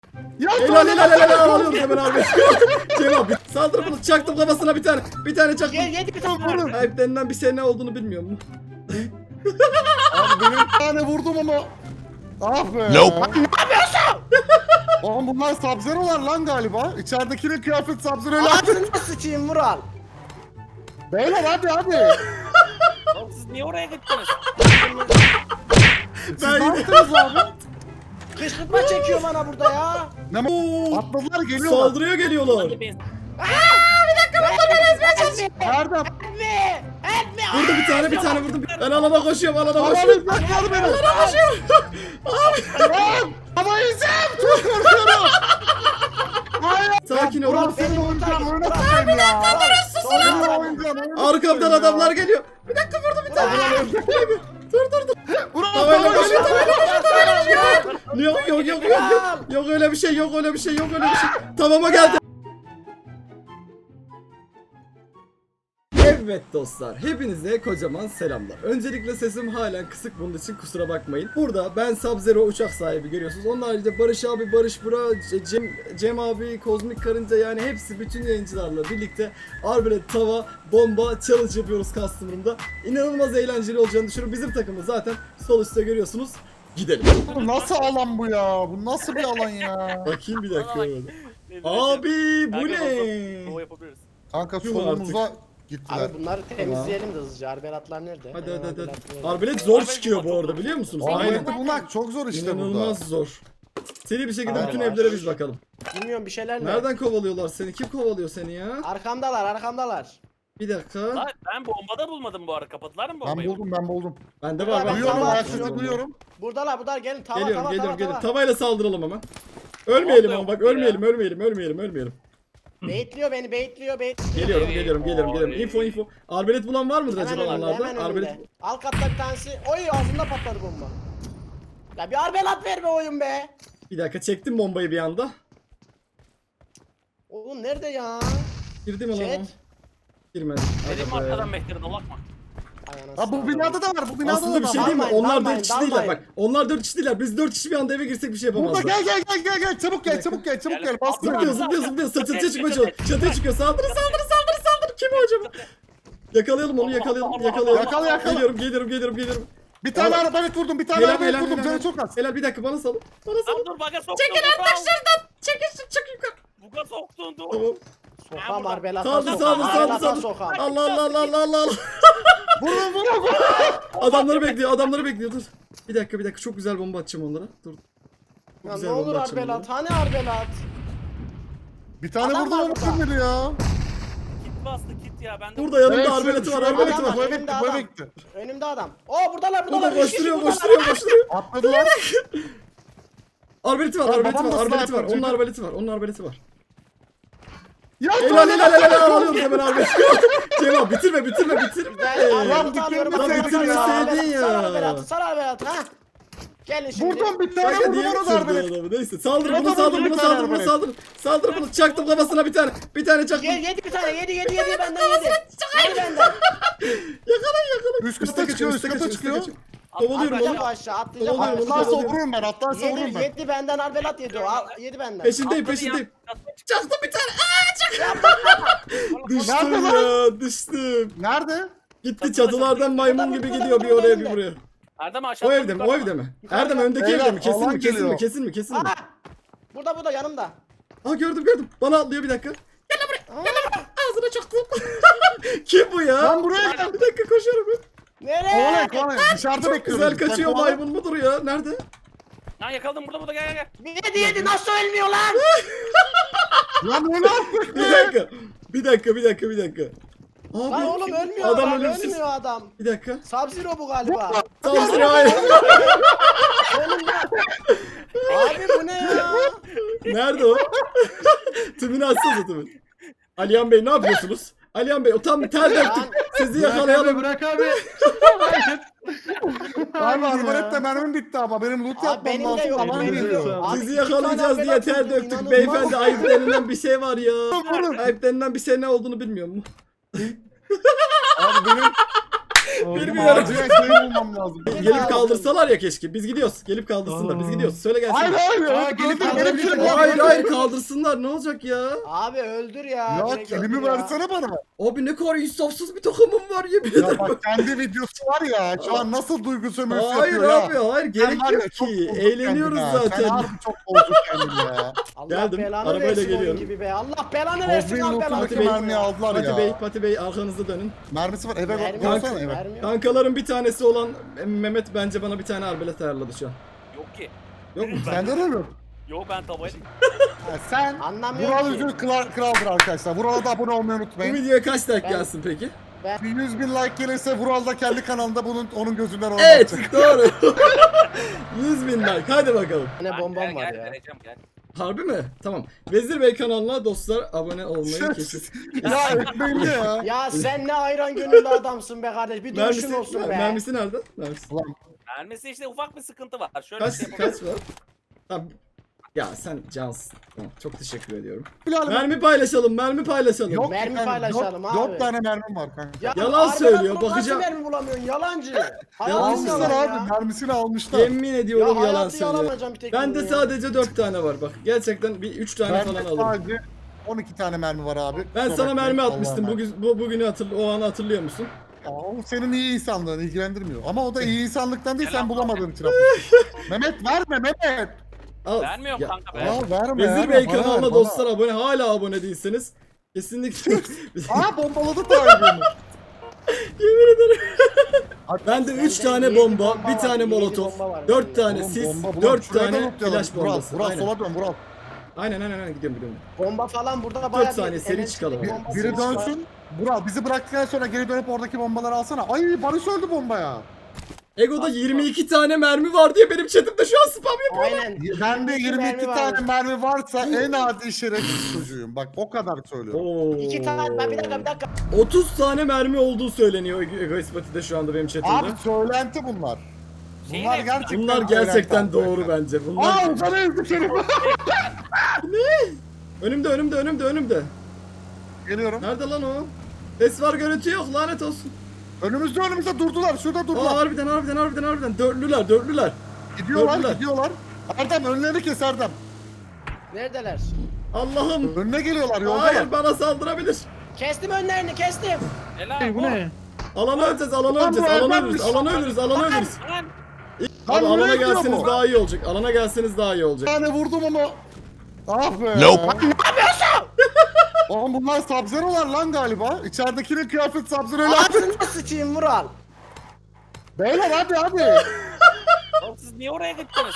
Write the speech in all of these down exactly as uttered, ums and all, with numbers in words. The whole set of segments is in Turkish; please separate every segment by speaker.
Speaker 1: Ya
Speaker 2: Helal helal helal helal alıyorum hemen abi. Cem abi saldır bunu çaktım kafasına bir tane. Bir tane çaktım.
Speaker 3: Gel yedi bir tane vurun.
Speaker 2: Sahiplerinden bir şey ne olduğunu bilmiyorum.
Speaker 1: Abi benim bir tane vurdum ama. Ah be.
Speaker 4: Nope.
Speaker 1: Lan ne yapıyorsun? Oğlum bunlar Sub-Zero'lar lan galiba. İçeridekinin kıyafet Sub-Zero'yla.
Speaker 3: Ağzını sıçayım Vural.
Speaker 1: Beyler hadi hadi.
Speaker 5: Oğlum siz niye oraya gittiniz?
Speaker 1: Siz
Speaker 2: Ben
Speaker 1: ne
Speaker 2: gidiyorum.
Speaker 1: yaptınız abi?
Speaker 3: Kışkırtma çekiyor bana burada ya.
Speaker 1: Ne
Speaker 2: Oo,
Speaker 1: atladılar geliyorlar.
Speaker 2: saldırıya geliyorlar.
Speaker 5: Hadi ben.
Speaker 1: Nerede?
Speaker 3: Etme! Etme!
Speaker 2: Vurdu bir tane bir tane vurdum. Ben alana koşuyorum alana
Speaker 1: Abi
Speaker 2: koşuyorum.
Speaker 1: yakaladı beni. Lan! Ama izim! Çok korkuyorum. Hayır.
Speaker 2: Sakin ol.
Speaker 1: Burak senin oyuncağın oyuna tutayım ya. Senin oyuncağın oyuna
Speaker 2: Arkamdan
Speaker 1: tutayım ya.
Speaker 2: adamlar geliyor. Bir dakika vurdu bir tane. Dur dur dur.
Speaker 1: Burak
Speaker 2: Tavayla
Speaker 1: tavayla
Speaker 2: koşuyor
Speaker 1: koşuyor.
Speaker 2: tavayla koşuyor. Yok yok yok yok yok. Yok öyle bir şey yok öyle bir şey yok öyle bir şey. Tamama geldi. Evet dostlar, hepinize kocaman selamlar. Öncelikle sesim halen kısık, bunun için kusura bakmayın. Burada ben Sub-Zero uçak sahibi görüyorsunuz. Onun haricinde Barış abi, Barış Bura, Cem, Cem abi, Kozmik Karınca, yani hepsi bütün yayıncılarla birlikte Arbelet, Tava, Bomba challenge yapıyoruz customer'ımda. İnanılmaz eğlenceli olacağını düşünüyorum. Bizim takımı zaten sol üstte görüyorsunuz. Gidelim.
Speaker 1: Bu nasıl alan bu ya? Bu nasıl bir alan ya?
Speaker 2: Bakayım bir dakika.
Speaker 5: Ne
Speaker 2: Abi bu
Speaker 5: Kanka,
Speaker 2: ne?
Speaker 5: O yapabiliriz.
Speaker 1: Kanka
Speaker 2: Yuh
Speaker 1: solumuza gittiler.
Speaker 3: Abi bunları temizleyelim de hızlıca. Arbelatlar nerede?
Speaker 2: Hadi
Speaker 3: Hemen
Speaker 2: hadi hadi.
Speaker 3: arbelatlar nerede?
Speaker 2: Arbelet zor çıkıyor bu arada, biliyor musunuz? Aynen.
Speaker 1: Arbelet'i bulmak çok zor işte burada.
Speaker 2: İnanılmaz zor. Seri bir şekilde
Speaker 3: Aynen.
Speaker 2: bütün evlere biz bakalım.
Speaker 3: Bilmiyorum bir şeyler ne?
Speaker 2: Nereden kovalıyorlar seni? Kim kovalıyor seni ya?
Speaker 3: Arkamdalar arkamdalar.
Speaker 2: Bir dakika.
Speaker 5: Lan ben bombada bulmadım bu arada. Kapattılar mı
Speaker 1: Ben
Speaker 5: bombayı?
Speaker 1: buldum ben buldum.
Speaker 2: Bende var bak.
Speaker 1: Duyuyorum
Speaker 3: tamam,
Speaker 1: ayak sesi
Speaker 3: tamam.
Speaker 1: duyuyorum.
Speaker 3: Buradalar buradalar gelin tava
Speaker 2: Geliyorum
Speaker 3: tava
Speaker 2: geliyorum
Speaker 3: tava
Speaker 2: geliyorum.
Speaker 3: tava.
Speaker 2: Tavayla saldıralım hemen. Ölmeyelim
Speaker 5: Tamam,
Speaker 2: ama bak
Speaker 5: yok ya.
Speaker 2: ölmeyelim ölmeyelim ölmeyelim ölmeyelim.
Speaker 3: Beyitliyor beni beyitliyor beyitliyor.
Speaker 2: Geliyorum
Speaker 5: Oy,
Speaker 2: geliyorum geliyorum geliyorum.
Speaker 5: oy.
Speaker 2: Info info. Arbelet bulan var mıdır
Speaker 3: Hemen
Speaker 2: acaba
Speaker 3: önümde
Speaker 2: onlarda?
Speaker 3: hemen
Speaker 2: Arbelet.
Speaker 3: önümde. Alt katta bir tanesi. Oy ağzında patladı bomba. Ya bir arbelat verme oyun be.
Speaker 2: Bir dakika çektim bombayı bir anda.
Speaker 3: Oğlum nerede ya?
Speaker 2: Girdi mi lan o?
Speaker 3: Chat.
Speaker 2: Girmedi.
Speaker 5: Dedim
Speaker 2: Aga be.
Speaker 5: arkadan Mehter'e dolakma.
Speaker 3: Ay anasını
Speaker 1: Ha bu
Speaker 3: satayım.
Speaker 1: binada da var bu binada
Speaker 2: Aslında
Speaker 1: da
Speaker 2: bir
Speaker 1: var.
Speaker 2: şey değil mi?
Speaker 3: Dalmayın,
Speaker 2: Onlar
Speaker 3: dalmayın,
Speaker 2: dört kişi değiller
Speaker 3: dalmayın.
Speaker 2: bak. Onlar dört kişi değiller. Biz dört kişi bir anda eve girsek bir şey
Speaker 1: Burada
Speaker 2: yapamazlar.
Speaker 1: gel gel gel gel gel çabuk gel çabuk gel çabuk gel bastır
Speaker 2: Zıplıyor
Speaker 1: beni.
Speaker 2: zıplıyor zıplıyor. Çatıya
Speaker 5: Çatı,
Speaker 2: çıkmaya
Speaker 5: çatı.
Speaker 2: çalışıyor. Çatıya çıkıyor. Saldırı saldırı saldırı saldırı. Kim o acaba? Yakalayalım onu yakalayalım yakalayalım.
Speaker 1: Yakala, yakala.
Speaker 2: Geliyorum geliyorum geliyorum geliyorum.
Speaker 1: Bir tane
Speaker 2: Helal.
Speaker 1: arabayı vurdum bir tane
Speaker 2: Helal
Speaker 1: arabayı
Speaker 2: helal
Speaker 1: vurdum
Speaker 2: helal.
Speaker 1: canı çok az.
Speaker 2: Helal bir dakika bana salın. Bana
Speaker 5: Lan
Speaker 2: salın.
Speaker 5: dur baga soktun.
Speaker 2: Çekil artık şuradan. Çekil çık yukarı.
Speaker 5: Buga soktun dur.
Speaker 2: Tamam.
Speaker 3: Sokam arbelata
Speaker 2: Saldır
Speaker 3: sokam.
Speaker 2: saldır saldır
Speaker 3: Arbelata
Speaker 2: saldır.
Speaker 3: sokam.
Speaker 2: Allah Allah Allah Allah Allah Allah.
Speaker 1: Vurun vurun vurun.
Speaker 2: Adamları bekliyor adamları bekliyor dur. Bir dakika bir dakika çok güzel bomba atacağım onlara. Dur. Çok
Speaker 3: Ya
Speaker 2: güzel
Speaker 3: ne olur
Speaker 2: bomba atacağım
Speaker 3: arbelat.
Speaker 2: onlara.
Speaker 3: Hani arbelat?
Speaker 1: Bir tane
Speaker 3: Adam
Speaker 1: vurdum
Speaker 3: var
Speaker 1: ama
Speaker 3: burada.
Speaker 1: kim ya?
Speaker 5: Kit bastı kit ya. Ben de
Speaker 2: Burada yanımda
Speaker 1: Evet,
Speaker 2: arbeleti
Speaker 1: şu-
Speaker 2: var
Speaker 1: şu
Speaker 2: arbeleti
Speaker 1: eve
Speaker 2: var.
Speaker 1: gitti, Bu eve
Speaker 3: Önümde
Speaker 1: gitti bu eve
Speaker 3: adam.
Speaker 1: gitti.
Speaker 3: Önümde adam. Oo buradalar
Speaker 2: Burada
Speaker 3: buradalar. Üç kişi
Speaker 2: koşturuyor
Speaker 3: buradalar.
Speaker 2: koşturuyor koşturuyor.
Speaker 1: Atladılar.
Speaker 2: Arbeleti var
Speaker 1: Ya
Speaker 2: arbeleti
Speaker 1: babam
Speaker 2: var
Speaker 1: nasıl
Speaker 2: arbeleti var.
Speaker 1: yapıyor
Speaker 2: Onun
Speaker 1: çünkü?
Speaker 2: arbeleti var onun arbeleti var.
Speaker 1: Ya
Speaker 2: Helal helal helal helal alıyorum hemen arbeleti. Cem abi bitirme bitirme bitirme.
Speaker 3: Ben
Speaker 1: Lan
Speaker 3: arbelatı alıyorum.
Speaker 1: bitirme,
Speaker 3: Arbelatı
Speaker 2: bitirme
Speaker 3: alıyorum.
Speaker 2: seydin ya.
Speaker 3: Sar arbelatı sar arbelatı ha. Gelin şimdi.
Speaker 1: Vurdum bir tane
Speaker 2: Kanka
Speaker 1: vurdum
Speaker 2: niye
Speaker 1: ona
Speaker 2: bitirdi
Speaker 1: darbe.
Speaker 2: adamı? Neyse saldır
Speaker 1: Adamı
Speaker 2: bunu saldır
Speaker 1: vurdu
Speaker 2: bunu
Speaker 1: bir tane
Speaker 2: saldır bunu
Speaker 1: arbalet.
Speaker 2: saldır. Saldır bunu çaktım kafasına bir tane. Bir tane çaktım.
Speaker 3: Ye, yedi bir tane yedi yedi yedi benden yedi. Yedi benden.
Speaker 2: Yakalayın yakalayın.
Speaker 1: Üst kata çıkıyor üst kata çıkıyor.
Speaker 2: Kovalıyorum
Speaker 3: Atlayacak
Speaker 2: onu.
Speaker 3: aşağı atlayacak
Speaker 2: Kovalıyorum
Speaker 3: aşağı.
Speaker 2: onu.
Speaker 1: Atlarsa vururum ben atlarsa vururum
Speaker 3: Yedi,
Speaker 1: ben.
Speaker 3: yedi benden arbelat yedi o. Al, yedi benden.
Speaker 2: Peşindeyim
Speaker 5: Atladı
Speaker 2: peşindeyim.
Speaker 5: ya.
Speaker 2: Çaktım bir tane. Aa çak. Düştüm
Speaker 1: Nerede
Speaker 2: ya düştüm.
Speaker 1: Nerede?
Speaker 2: Gitti çatılardan maymun gibi gidiyor bir oraya bir buraya.
Speaker 5: Erdem aşağı.
Speaker 2: O evde mi? O evde mi? Erdem öndeki
Speaker 1: Beyler,
Speaker 2: evde mi? Kesin
Speaker 1: alan
Speaker 2: mi? Kesin mi?
Speaker 1: geliyor.
Speaker 2: Kesin mi? Kesin mi?
Speaker 3: Aa, burada burada yanımda.
Speaker 2: Aa gördüm gördüm. Bana atlıyor bir dakika. Gel lan buraya. Gel lan buraya. Ağzına çaktım. Kim bu ya?
Speaker 1: Lan buraya gel.
Speaker 2: Bir dakika koşuyorum ben.
Speaker 3: Nereye?
Speaker 1: Kovalayın kovalayın dışarıda
Speaker 2: Çok
Speaker 1: bekliyorum.
Speaker 2: güzel kaçıyor
Speaker 1: Sen kovala.
Speaker 2: maymun mudur ya? Nerede?
Speaker 5: Lan yakaladım burada burada gel gel gel.
Speaker 3: Yedi yedi nasıl ölmüyor lan?
Speaker 1: Lan öyle artık
Speaker 2: Bir
Speaker 1: be.
Speaker 2: dakika. Bir dakika bir dakika bir dakika. Abi.
Speaker 3: Lan oğlum ölmüyor
Speaker 2: Adam
Speaker 3: adam
Speaker 2: ölümsüz.
Speaker 3: ölmüyor adam.
Speaker 2: Bir dakika.
Speaker 3: Sub-Zero bu galiba.
Speaker 2: Saldırı hayır.
Speaker 3: Sonunda. Abi bu ne ya?
Speaker 2: Nerede o? Tümünü açsanıza tümün. Alihan Bey ne yapıyorsunuz? Alihan Bey o tam bir tel döktük. Sizi yakalayalım.
Speaker 1: Bırak abi. Abi arbalette mermim bitti ama benim loot
Speaker 3: Abi
Speaker 1: yapmam
Speaker 3: benim de
Speaker 1: lazım.
Speaker 3: yok.
Speaker 1: Aman
Speaker 3: benim de
Speaker 1: geliyor.
Speaker 3: yok. Abi
Speaker 2: Sizi
Speaker 3: iki tane
Speaker 2: yakalayacağız diye
Speaker 3: arbelat
Speaker 2: ter
Speaker 3: vurdum,
Speaker 2: döktük.
Speaker 3: inanılmaz.
Speaker 2: Beyefendi ayıp denilen bir şey var ya. Ayıp denilen bir şey ne olduğunu bilmiyorum.
Speaker 1: Abi benim
Speaker 2: Bilmiyorum.
Speaker 1: Acilen şey bulmam lazım.
Speaker 2: Gelip kaldırsalar ya keşke. Biz gidiyoruz. Gelip kaldırsınlar. Biz gidiyoruz. Söyle gelsin.
Speaker 1: Hayır hayır
Speaker 3: Aa,
Speaker 1: ya.
Speaker 3: gelip
Speaker 1: Gelip
Speaker 3: kaldırabilirim.
Speaker 1: benim
Speaker 2: Hayır hayır kaldırsınlar. Ne olacak ya?
Speaker 3: Abi öldür ya.
Speaker 1: Ya
Speaker 3: direkt
Speaker 1: kelimi
Speaker 3: öldür ya.
Speaker 1: versene bana.
Speaker 2: Abi ne kadar insafsız bir takımım var yemin ederim.
Speaker 1: Ya bak kendi videosu var ya. Şu an nasıl duygu sömürüsü
Speaker 2: Hayır
Speaker 1: yapıyor ya.
Speaker 2: abi hayır
Speaker 1: Sen
Speaker 2: gerek
Speaker 1: var ya,
Speaker 2: yok
Speaker 1: çok
Speaker 2: ki.
Speaker 1: bozduk
Speaker 2: Eğleniyoruz
Speaker 1: kendini ha. Sen
Speaker 2: zaten.
Speaker 1: harbi çok bozduk kendini ya.
Speaker 3: Allah
Speaker 2: Geldim,
Speaker 3: belanı
Speaker 2: arabayla
Speaker 3: versin
Speaker 2: geliyorum.
Speaker 3: oyun gibi be. Allah belanı versin
Speaker 1: Bozmayın
Speaker 3: al belanı.
Speaker 1: lootundaki
Speaker 2: Bey,
Speaker 1: mermiyi aldılar
Speaker 2: Pati
Speaker 1: ya.
Speaker 2: Bey, Pati Bey arkanızda dönün.
Speaker 1: Mermisi var eve
Speaker 3: Mermi
Speaker 1: koysana
Speaker 3: yok,
Speaker 1: eve.
Speaker 3: mermi yok.
Speaker 2: Kankaların bir tanesi olan Mehmet bence bana bir tane arbelet ayarladı şu an.
Speaker 5: Yok ki.
Speaker 2: Yok mu?
Speaker 1: Sende de mi?
Speaker 5: Yok ben tavaya
Speaker 1: Ha, sen
Speaker 3: Anlamıyorum
Speaker 1: Vural
Speaker 3: ki.
Speaker 1: Üzül kral, kraldır arkadaşlar. Vural'a da abone olmayı
Speaker 2: Bu
Speaker 1: unutmayın.
Speaker 2: videoya kaç like
Speaker 3: Ben-
Speaker 2: gelsin peki?
Speaker 1: Bir yüz bin like gelirse Vural da kendi kanalında bunun onun gözünden onu
Speaker 2: Evet
Speaker 1: atacak.
Speaker 2: doğru. yüz bin like hadi bakalım.
Speaker 3: Ne bombam
Speaker 5: gel,
Speaker 3: var
Speaker 5: gel,
Speaker 3: ya.
Speaker 5: vereceğim, gel.
Speaker 2: Harbi mi? Tamam. Vezir Bey kanalına dostlar abone olmayı kesin.
Speaker 1: Ya ekmeğimde ya.
Speaker 3: Ya sen ne ayran gönüllü adamsın be kardeş. Bir duruşun
Speaker 2: Mermisi,
Speaker 3: olsun be.
Speaker 2: mermisi nerede? Mermisi.
Speaker 1: Ulan
Speaker 5: Vermesi işte ufak bir sıkıntı var. Şöyle
Speaker 2: Kaç
Speaker 5: bir şey yapalım.
Speaker 2: kaç var? Tamam. Ya sen cansın. Tamam, çok teşekkür ediyorum.
Speaker 1: Bilal
Speaker 2: Mermi paylaşalım, mermi paylaşalım.
Speaker 1: Yok
Speaker 3: Mermi
Speaker 1: kanka,
Speaker 3: paylaşalım
Speaker 1: dört,
Speaker 3: abi.
Speaker 1: Dört tane mermim var kanka.
Speaker 3: Ya
Speaker 2: Yalan
Speaker 3: harbiden
Speaker 2: söylüyor,
Speaker 3: bunu
Speaker 2: bakacağım.
Speaker 3: Nasıl mermi bulamıyorsun yalancı.
Speaker 1: Almışlar
Speaker 3: Hayatını
Speaker 1: abi
Speaker 3: yalan ya.
Speaker 1: mermisini almışlar.
Speaker 2: Yemin ediyorum
Speaker 3: Ya
Speaker 2: yalan
Speaker 3: hayatı
Speaker 2: söylüyor.
Speaker 3: yalamayacağım bir tek
Speaker 2: Bende
Speaker 3: bunu ya.
Speaker 2: sadece dört tane var bak. Gerçekten bir üç tane
Speaker 1: Bende
Speaker 2: falan alırım.
Speaker 1: sadece on iki tane mermi var abi.
Speaker 2: Ben
Speaker 1: Kusura
Speaker 2: sana
Speaker 1: bakmayın,
Speaker 2: mermi
Speaker 1: Allah'a
Speaker 2: atmıştım.
Speaker 1: emanet.
Speaker 2: Bugün bu bugünü hatırl o anı hatırlıyor musun?
Speaker 1: Ya, o senin iyi insanlığın ilgilendirmiyor. Ama o da iyi insanlıktan değil sen
Speaker 5: Selam.
Speaker 1: bulamadığın için atmışsın. Mehmet verme Mehmet.
Speaker 2: Al.
Speaker 5: Vermiyorum
Speaker 2: Ya,
Speaker 5: kanka be.
Speaker 1: Ya verme
Speaker 2: Vezir
Speaker 1: verme,
Speaker 2: Bey
Speaker 1: bana ver,
Speaker 2: kanalına
Speaker 1: bana.
Speaker 2: dostlar abone hala abone değilseniz kesinlikle
Speaker 1: Aa bombaladı tarihini.
Speaker 2: yemin ederim. Ben de üç
Speaker 3: Bende
Speaker 2: tane
Speaker 3: yedi
Speaker 2: bomba,
Speaker 3: bomba
Speaker 2: bir
Speaker 3: var,
Speaker 2: tane
Speaker 3: yedi
Speaker 2: molotof,
Speaker 3: bomba var
Speaker 2: dört
Speaker 3: bende.
Speaker 2: tane
Speaker 1: Oğlum,
Speaker 2: sis,
Speaker 1: bomba, bomba.
Speaker 2: dört
Speaker 1: Şuraya da
Speaker 2: tane
Speaker 1: lootlayalım.
Speaker 2: flash
Speaker 1: Vural,
Speaker 2: bombası.
Speaker 1: Vural
Speaker 2: Aynen.
Speaker 1: sola dön Vural.
Speaker 2: Aynen aynen aynen gidiyorum gidiyorum.
Speaker 3: Bomba falan burada bayağı
Speaker 2: saniye, seri çıkalım.
Speaker 1: Bir,
Speaker 3: bombası
Speaker 1: biri
Speaker 3: var.
Speaker 1: dönsün. Vural bizi bıraktıktan sonra geri dönüp oradaki bombaları alsana. Ay Barış öldü bombaya.
Speaker 2: Ego'da yirmi iki tane mermi var diye benim chatimde şu an spam yapıyor.
Speaker 3: Aynen.
Speaker 1: Bende yirmi iki
Speaker 3: mermi
Speaker 1: tane
Speaker 3: var.
Speaker 1: mermi varsa en adi şerefsiz çocuğuyum. Bak o kadar söylüyorum.
Speaker 2: Oo.
Speaker 3: İki tane ben bir dakika bir dakika.
Speaker 2: otuz tane mermi olduğu söyleniyor Egoist Pati'de şu anda benim chatimde.
Speaker 1: Abi söylenti bunlar.
Speaker 5: Şeyin
Speaker 1: Bunlar
Speaker 5: hepsi-
Speaker 1: gerçekten
Speaker 2: Bunlar gerçekten
Speaker 1: söylenti
Speaker 2: doğru
Speaker 1: arkadaşlar.
Speaker 2: bence. Bunlar
Speaker 1: Aa sana ezdik herif.
Speaker 2: önümde önümde önümde önümde.
Speaker 1: Geliyorum.
Speaker 2: Nerede lan o? Ses var görüntü yok lanet olsun.
Speaker 1: Önümüzde önümüzde durdular. Şurada
Speaker 2: Aa
Speaker 1: durdular.
Speaker 2: harbiden harbiden harbiden harbiden dörtlüler dörtlüler.
Speaker 1: Gidiyorlar
Speaker 2: gördüler.
Speaker 1: gidiyorlar. Erdem önlerini kes Erdem.
Speaker 3: Neredeler?
Speaker 2: Allah'ım.
Speaker 1: Önüne geliyorlar yoldalar.
Speaker 2: Hayır bana saldırabilir.
Speaker 3: Kestim önlerini kestim.
Speaker 5: Helal.
Speaker 1: Bu ne?
Speaker 2: Alanı öleceğiz, alanı
Speaker 1: Lan
Speaker 2: öleceğiz,
Speaker 1: bu
Speaker 2: alanı
Speaker 1: Erdem'miş.
Speaker 2: ölürüz, alanı ölürüz, alanı ölürüz.
Speaker 5: Lan.
Speaker 2: Abi
Speaker 1: Lan
Speaker 2: alana
Speaker 1: nereye gidiyor
Speaker 2: gelseniz
Speaker 1: bu?
Speaker 2: daha iyi olacak. Alana gelseniz daha iyi
Speaker 1: Bir
Speaker 2: olacak.
Speaker 1: tane vurdum ama. Ah be.
Speaker 4: Nope.
Speaker 1: Ne yapıyorsun? Oğlum bunlar Sub-Zero'lar lan galiba. İçeridekinin kıyafet Sub-Zero'yla.
Speaker 3: Ağzına sıçayım Vural.
Speaker 1: Beyler hadi hadi.
Speaker 5: Oğlum siz niye oraya gittiniz?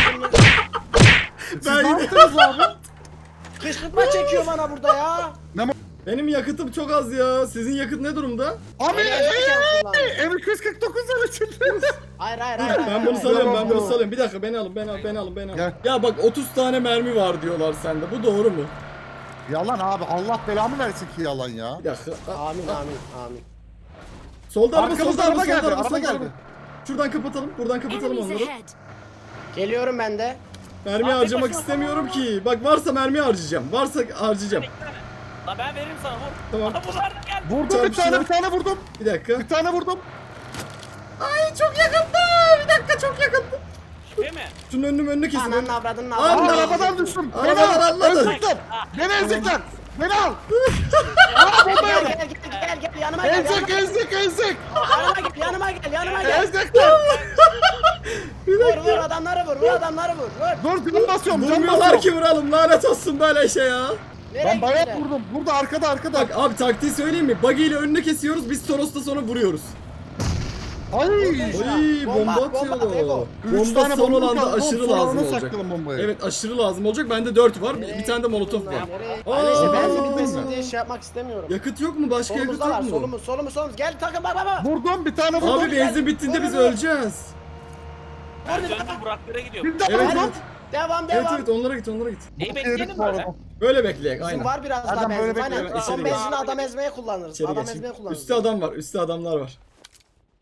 Speaker 1: Siz
Speaker 2: Ben
Speaker 1: ne
Speaker 2: yine-
Speaker 1: yaptınız abi?
Speaker 3: Kışkırtma çekiyor bana burada ya.
Speaker 2: Benim yakıtım çok az ya. Sizin yakıt ne durumda?
Speaker 1: Abi
Speaker 3: Eğlencerken kullan.
Speaker 1: M iki yüz kırk dokuz lira çıktı.
Speaker 3: Hayır hayır hayır.
Speaker 2: Ben
Speaker 3: hayır,
Speaker 2: bunu
Speaker 3: hayır.
Speaker 2: salıyorum, ben bunu
Speaker 1: Bravo.
Speaker 2: salıyorum. Bir dakika beni alın, beni alın, beni alın, beni alın.
Speaker 1: Gel.
Speaker 2: Ya bak otuz tane mermi var diyorlar sende. Bu doğru mu?
Speaker 1: Yalan abi Allah belamı versin ki yalan ya.
Speaker 2: Bir dakika. Aa,
Speaker 3: Amin amin amin.
Speaker 2: Solda araba,
Speaker 1: Arkamızda
Speaker 2: solda araba,
Speaker 1: araba geldi,
Speaker 2: solda araba,
Speaker 1: araba
Speaker 2: solda
Speaker 1: geldi.
Speaker 2: araba. Şuradan kapatalım, buradan kapatalım
Speaker 6: Enemies
Speaker 2: onları.
Speaker 6: ahead.
Speaker 3: Geliyorum ben de.
Speaker 2: Mermi
Speaker 5: Aa,
Speaker 2: harcamak
Speaker 5: tek başına-
Speaker 2: istemiyorum ki. Bak varsa mermi harcayacağım. Varsa harcayacağım.
Speaker 5: İki tane. Lan ben veririm sana vur.
Speaker 2: Tamam.
Speaker 5: Aa, bunlar da geldi.
Speaker 1: Vurdum bir
Speaker 2: Çarpıştılar.
Speaker 1: tane bir tane vurdum.
Speaker 2: Bir dakika.
Speaker 1: Bir tane vurdum.
Speaker 2: Ay çok yakındı. Bir dakika çok yakındı.
Speaker 5: Şüphe mi?
Speaker 2: Şunun önünü önünü kesin.
Speaker 3: Ananın avradının
Speaker 2: Aa,
Speaker 1: Aa,
Speaker 3: avradını.
Speaker 1: arabadan düştüm. Beni
Speaker 2: Arabadan
Speaker 1: al.
Speaker 2: atladın.
Speaker 1: Ezikler. Beni ezikler. Beni al.
Speaker 3: Gel gel gel gel gel yanıma gel.
Speaker 1: Ezik
Speaker 3: Yanıma,
Speaker 1: ezik ezik.
Speaker 3: yanıma gel yanıma gel yanıma gel.
Speaker 1: Ezikler.
Speaker 2: Bir
Speaker 3: Vur
Speaker 2: dakika.
Speaker 3: vur adamları vur vur adamları vur vur.
Speaker 1: Dur can basıyorum can
Speaker 2: Durmuyorlar
Speaker 1: basıyorum.
Speaker 2: ki vuralım. Lanet olsun böyle şey ya.
Speaker 3: Nereye
Speaker 1: Ben bayağı
Speaker 3: gittiler?
Speaker 1: vurdum. Burada arkada arkada.
Speaker 2: Bak abi taktiği söyleyeyim mi? Buggy ile önünü kesiyoruz. Biz Toros'ta sonra vuruyoruz.
Speaker 1: Ay.
Speaker 2: Oy bomba
Speaker 3: Bomba, bomba,
Speaker 2: atıyorlar.
Speaker 3: Bego.
Speaker 1: Üç
Speaker 2: Bomba
Speaker 1: tane
Speaker 2: son
Speaker 1: bomba
Speaker 2: olanda
Speaker 1: kaldı.
Speaker 2: aşırı
Speaker 1: Sonra
Speaker 2: lazım
Speaker 1: ona
Speaker 2: olacak.
Speaker 1: saklayalım bombayı.
Speaker 2: Evet aşırı lazım olacak. Bende dört var. Bir,
Speaker 3: Nereye
Speaker 2: bir tane de molotof
Speaker 3: gittin
Speaker 2: var.
Speaker 3: lan, nereye?
Speaker 2: Aa,
Speaker 3: Ben işte benzin
Speaker 1: aa.
Speaker 3: bitmesin diye şey yapmak istemiyorum.
Speaker 2: Yakıt yok mu? Başka yakıt
Speaker 3: Solumuzda var
Speaker 2: yok mu?
Speaker 3: solumuz solumuz solumuz. Gel takım bak bak bak.
Speaker 1: Vurdum bir tane vurdum.
Speaker 2: Abi benzin bittiğinde biz
Speaker 3: Vur, vur.
Speaker 2: öleceğiz.
Speaker 5: Ben döndüm Buraklara gidiyorum.
Speaker 1: Bir daha
Speaker 2: Evet
Speaker 1: vurdum.
Speaker 2: evet.
Speaker 3: Devam
Speaker 2: Evet
Speaker 3: devam.
Speaker 2: evet onlara git onlara git.
Speaker 5: Neyi
Speaker 1: Herif
Speaker 5: bekleyelim
Speaker 1: bu
Speaker 5: böyle?
Speaker 1: arada.
Speaker 2: Böyle bekleyek
Speaker 3: Bizim
Speaker 2: aynen.
Speaker 3: var biraz daha
Speaker 1: Adam böyle
Speaker 3: benzin.
Speaker 1: bekliyor,
Speaker 3: Aynen.
Speaker 2: içeri
Speaker 3: Son
Speaker 2: geç.
Speaker 3: benzini adam ezmeye kullanırız.
Speaker 2: İçeri
Speaker 3: Adam
Speaker 2: geç.
Speaker 3: ezmeye kullanırız.
Speaker 2: Üstte adam var. Üstte adamlar var.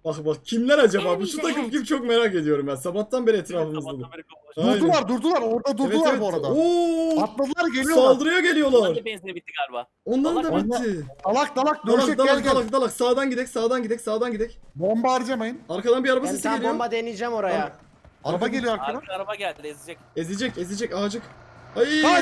Speaker 2: Bak bak kimler acaba? Bu şu takım kim çok merak ediyorum ben. Sabahtan beri etrafımızda.
Speaker 5: Sabahtan beri kapılaşıyor.
Speaker 2: Aynen.
Speaker 1: Durdular durdular orada durdular
Speaker 2: Evet, evet.
Speaker 1: bu arada.
Speaker 2: Oo!
Speaker 1: Atladılar geliyorlar.
Speaker 2: Saldırıya
Speaker 5: Onların
Speaker 2: geliyorlar.
Speaker 5: da benzini bitti galiba.
Speaker 2: Onların da
Speaker 5: Dalak-
Speaker 2: bitti.
Speaker 1: Dalak dalak
Speaker 2: Dalak
Speaker 1: dövüşek gel
Speaker 2: dalak
Speaker 1: gel.
Speaker 2: dalak dalak sağdan gidek sağdan gidek sağdan gidek.
Speaker 1: Bomba harcamayın.
Speaker 2: Arkadan bir araba
Speaker 3: Ben
Speaker 2: sesi
Speaker 3: tam
Speaker 2: geliyor.
Speaker 3: bomba deneyeceğim oraya.
Speaker 1: Araba geliyor arkadan.
Speaker 5: Arka araba geldi ezecek.
Speaker 2: Ezecek ezecek ağacık. Ay.
Speaker 1: Kaç.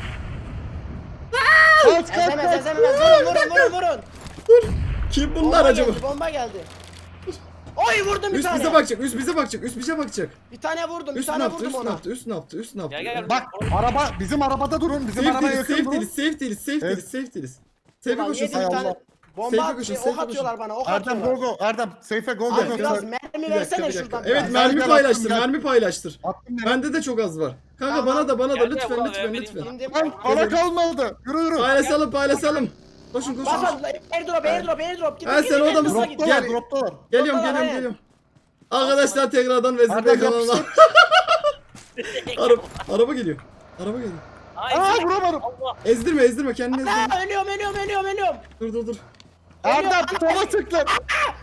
Speaker 1: Kaç kaç
Speaker 3: Ezemez
Speaker 1: kaç.
Speaker 3: ezemez vurun vurun vurun vurun.
Speaker 2: Kim bunlar
Speaker 3: Bomba
Speaker 2: acaba?
Speaker 3: geldi, bomba geldi. Oy vurdum bir
Speaker 2: Üst
Speaker 3: tane.
Speaker 2: bize bakacak, üst bize bakacak, üst bize bakacak.
Speaker 3: Bir tane vurdum, bir
Speaker 2: Üst ne
Speaker 3: tane
Speaker 2: yaptı,
Speaker 3: vurdum
Speaker 2: üst ne
Speaker 3: ona.
Speaker 2: yaptı, üst ne yaptı, üst ne yaptı.
Speaker 5: Gel gel.
Speaker 1: Bak araba bizim arabada durun. Bizim
Speaker 2: Safe
Speaker 1: arabaya
Speaker 2: değiliz,
Speaker 1: yakın
Speaker 2: safe
Speaker 1: durun.
Speaker 2: değiliz, safe değiliz, safe
Speaker 1: Evet.
Speaker 2: değiliz, safe değiliz. Safe'e
Speaker 3: Ulan
Speaker 2: koşun,
Speaker 3: yedi
Speaker 1: Hay
Speaker 3: bir
Speaker 2: safe.
Speaker 1: Allah.
Speaker 3: tane bomba
Speaker 2: Safe'e
Speaker 3: at,
Speaker 2: koşun,
Speaker 3: şey,
Speaker 2: safe'e
Speaker 3: ok atıyorlar bana, ok
Speaker 1: Erdem go
Speaker 3: atıyorlar.
Speaker 1: go. Erdem safe'e go go
Speaker 3: Abi
Speaker 1: go.
Speaker 3: biraz
Speaker 2: Bir
Speaker 3: mermi
Speaker 2: dakika, bir
Speaker 3: versene
Speaker 2: dakika.
Speaker 3: şuradan
Speaker 2: Evet,
Speaker 3: biraz.
Speaker 2: mermi
Speaker 1: Gel, gel,
Speaker 2: paylaştır,
Speaker 1: attım, gel.
Speaker 2: mermi paylaştır.
Speaker 1: Attım ya.
Speaker 2: Bende de çok az var. Kanka
Speaker 3: Tamam.
Speaker 2: bana da, bana da
Speaker 5: Gel, gel,
Speaker 2: lütfen,
Speaker 5: buna
Speaker 2: lütfen,
Speaker 5: ver,
Speaker 2: lütfen.
Speaker 5: vereyim.
Speaker 3: İndim.
Speaker 1: Lan para kalmadı. Yürü yürü.
Speaker 2: Paylaşalım, paylaşalım. Koşun, koşun.
Speaker 3: Bas bas airdrop airdrop airdrop. Gidin,
Speaker 2: Ha,
Speaker 3: gidin,
Speaker 2: sen orada
Speaker 3: gidin,
Speaker 2: mısın?
Speaker 3: hızlı gidin.
Speaker 1: Droptalar
Speaker 2: Gel.
Speaker 1: droptalar.
Speaker 2: Geliyorum,
Speaker 3: Ortadan,
Speaker 2: geliyorum,
Speaker 3: aynen.
Speaker 2: geliyorum. Arkadaşlar tekrardan Vezir Bey
Speaker 1: Erdem
Speaker 2: kanalına.
Speaker 1: yapıştır.
Speaker 2: araba, araba geliyor. Araba geliyor.
Speaker 5: Ay,
Speaker 1: Aa
Speaker 5: ezecek.
Speaker 1: vuramadım.
Speaker 5: Allah.
Speaker 2: Ezdirme, ezdirme, kendini ezdirme.
Speaker 3: Aa, ölüyorum ölüyorum ölüyorum ölüyorum.
Speaker 2: Dur, dur, dur.
Speaker 1: Erdem sola çık lan.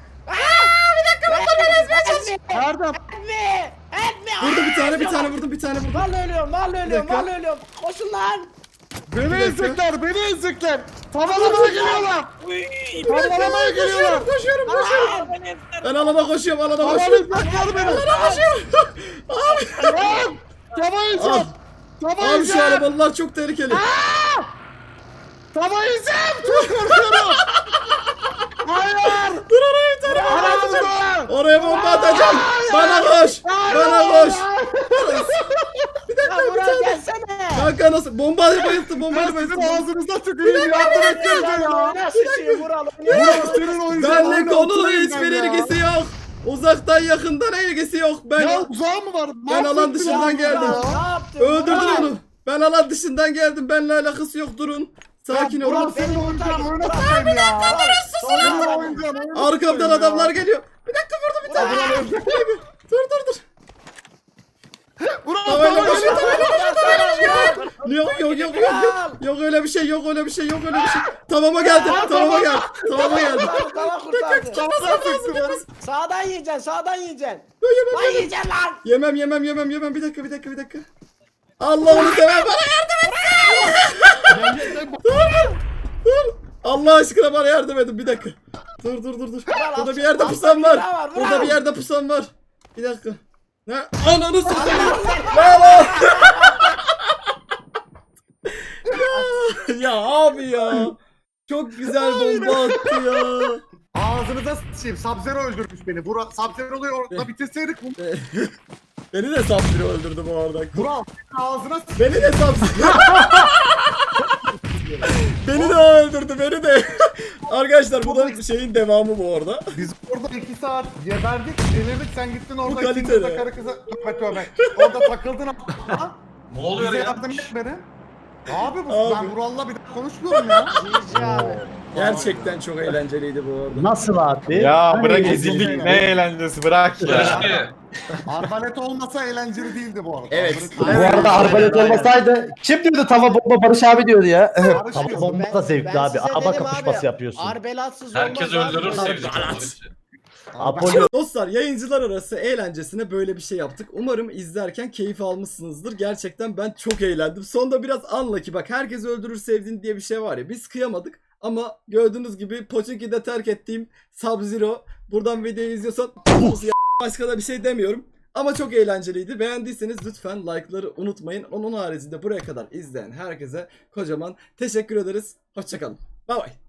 Speaker 1: Erdem.
Speaker 3: Etme! Etme!
Speaker 2: Vurdum bir tane, bir tane vurdum, bir tane vurdum.
Speaker 3: Vallahi ölüyorum, vallahi ölüyorum,
Speaker 2: dakika.
Speaker 3: vallahi ölüyorum. Koşun lan!
Speaker 1: Beni
Speaker 2: dakika.
Speaker 1: ezecekler. Beni ezecekler. Tavalamaya geliyorlar.
Speaker 5: Uy.
Speaker 1: Tavalamaya geliyorlar.
Speaker 2: Koşuyorum, koşuyorum.
Speaker 5: Aa, beni ezdiler.
Speaker 2: Ben alana koşuyorum, alana koşuyorum.
Speaker 1: Tavalayacaklar beni.
Speaker 2: Alana koşuyorum. Abi.
Speaker 1: Lan. Tava yiyeceğim.
Speaker 2: Al.
Speaker 1: Tava
Speaker 2: Abi şu
Speaker 1: yiyeceğim.
Speaker 2: arabalar çok tehlikeli.
Speaker 1: Tava yiyeceğim. Çok korkuyorum. Hayır.
Speaker 2: Dur oraya bir tane.
Speaker 1: Aramızda.
Speaker 2: Oraya bomba atacağım. Bana koş. Bana koş. Bir
Speaker 3: Ya
Speaker 2: dakika bir
Speaker 3: Burak
Speaker 2: tane.
Speaker 3: gelsene!
Speaker 2: Kanka nasıl? Bombayla bayılttı, bombayla
Speaker 1: Ben
Speaker 2: bayılttı.
Speaker 1: sizin ağzınıza tüküreyim. Yardım etsenize ya.
Speaker 3: Oyna sıçayım Vural
Speaker 1: Burak senin oyuncun.
Speaker 2: Benle
Speaker 1: Oyna,
Speaker 2: konunun
Speaker 1: oturayım
Speaker 2: hiçbir
Speaker 1: ben ya.
Speaker 2: ilgisi yok. Uzaktan yakından ilgisi yok. Ben
Speaker 1: Ya uzağı mı var?
Speaker 2: Ben alan
Speaker 1: Mahvettin
Speaker 2: dışından
Speaker 1: ya.
Speaker 2: geldim.
Speaker 3: Ne yaptın?
Speaker 2: öldürdün
Speaker 3: Vural?
Speaker 2: onu. Ben alan dışından geldim. Benimle alakası yok. Durun. Sakin
Speaker 1: Ya
Speaker 2: olun.
Speaker 1: Burak senin
Speaker 3: Beni
Speaker 1: oyuncun.
Speaker 3: kurtar.
Speaker 1: Oyna
Speaker 3: Burak,
Speaker 1: satayım ya. Senin
Speaker 3: Sonra-
Speaker 1: oyuncun. oyna
Speaker 2: Arkamdan
Speaker 1: satayım ya.
Speaker 2: adamlar geliyor. Bir dakika vurdum bir tane.
Speaker 3: Burak.
Speaker 2: Bir dakika. Dur dur dur.
Speaker 1: Burak
Speaker 2: Tavayla
Speaker 1: tava
Speaker 2: koşuyor.
Speaker 1: yiyeceğim.
Speaker 2: Tavayla koşuyor. Yok yok yok yok yok. Yok öyle bir şey yok öyle bir şey yok öyle bir şey. Tavama geldi. Tavama geldi. Tavama geldi.
Speaker 3: Kurtardı, Tamam kurtardı.
Speaker 1: Tavadan sıktı beni.
Speaker 3: Sağdan yiyeceksin, sağdan yiyeceksin.
Speaker 2: Yok, Yemem
Speaker 3: Lan
Speaker 2: yemem.
Speaker 3: yiyeceksin lan!
Speaker 2: Yemem yemem yemem yemem. Bir dakika bir dakika bir dakika. Allah'ını sever bana yardım et. Dur. Dur. Allah aşkına bana yardım edin bir dakika. Dur dur dur dur. Burada bir yerde
Speaker 3: al,
Speaker 2: pusam
Speaker 3: al,
Speaker 2: var.
Speaker 3: al, al,
Speaker 2: Burada
Speaker 3: al.
Speaker 2: bir yerde pusam var. Bir dakika. Ne? Ananı satayım. Lan lan. ya, ya abi ya. Çok güzel bomba attı ya.
Speaker 1: Ağzınıza sıçayım. Sub-Zero öldürmüş beni. Burak Sub-Zero'yu orada bitirseydik bunu.
Speaker 2: Beni de Sabziri öldürdü bu arada.
Speaker 1: Burak ağzına sıçayım.
Speaker 2: Beni de Sabziri. Beni de o öldürdü beni de. Arkadaşlar bu da şeyin devamı bu arada.
Speaker 1: Biz orada iki saat geberdik, delirdik. Sen gittin orada
Speaker 2: Bu
Speaker 1: ikinci
Speaker 2: kaliteli.
Speaker 1: de karı kıza... Tövbe tövbe. Orada takıldın. Ha?
Speaker 4: Ne oluyor
Speaker 1: Bize
Speaker 4: ya?
Speaker 1: yardım etmedi. Abi bu
Speaker 2: Abi.
Speaker 1: ben Vural'la bir daha konuşmuyorum ya.
Speaker 3: Cici abi.
Speaker 2: Gerçekten çok eğlenceliydi bu arada.
Speaker 6: Nasıl abi?
Speaker 7: Ya
Speaker 1: Hani
Speaker 7: bırak
Speaker 1: ezildik.
Speaker 7: ezildik ne eğlencesi bırak ya.
Speaker 4: Barış'ı
Speaker 1: Arbalet olmasa eğlenceli değildi bu arada.
Speaker 2: Evet.
Speaker 1: Arbalet-
Speaker 6: Bu arada arbalet olmasaydı kim diyordu tava bomba Barış abi diyordu ya.
Speaker 1: Barış
Speaker 6: Tava
Speaker 1: diyor.
Speaker 6: bomba da zevkli
Speaker 3: Ben
Speaker 6: abi.
Speaker 3: size
Speaker 6: Araba
Speaker 3: dedim
Speaker 6: kapışması
Speaker 3: abi,
Speaker 6: yapıyorsun.
Speaker 3: Arbelatsız
Speaker 4: herkes
Speaker 3: olmaz abi.
Speaker 4: öldürür
Speaker 3: Böyle.
Speaker 4: sevecek Barış'ı.
Speaker 6: Apollo
Speaker 2: Dostlar yayıncılar arası eğlencesine böyle bir şey yaptık. Umarım izlerken keyif almışsınızdır. Gerçekten ben çok eğlendim. Sonda biraz unlucky bak herkes öldürür sevdiğin diye bir şey var ya. Biz kıyamadık ama gördüğünüz gibi Pochinki'de terk ettiğim Sub-Zero. Buradan videoyu izliyorsan başka da bir şey demiyorum. Ama çok eğlenceliydi. Beğendiyseniz lütfen like'ları unutmayın. Onun haricinde buraya kadar izleyen herkese kocaman teşekkür ederiz. Hoşçakalın. Bay bay.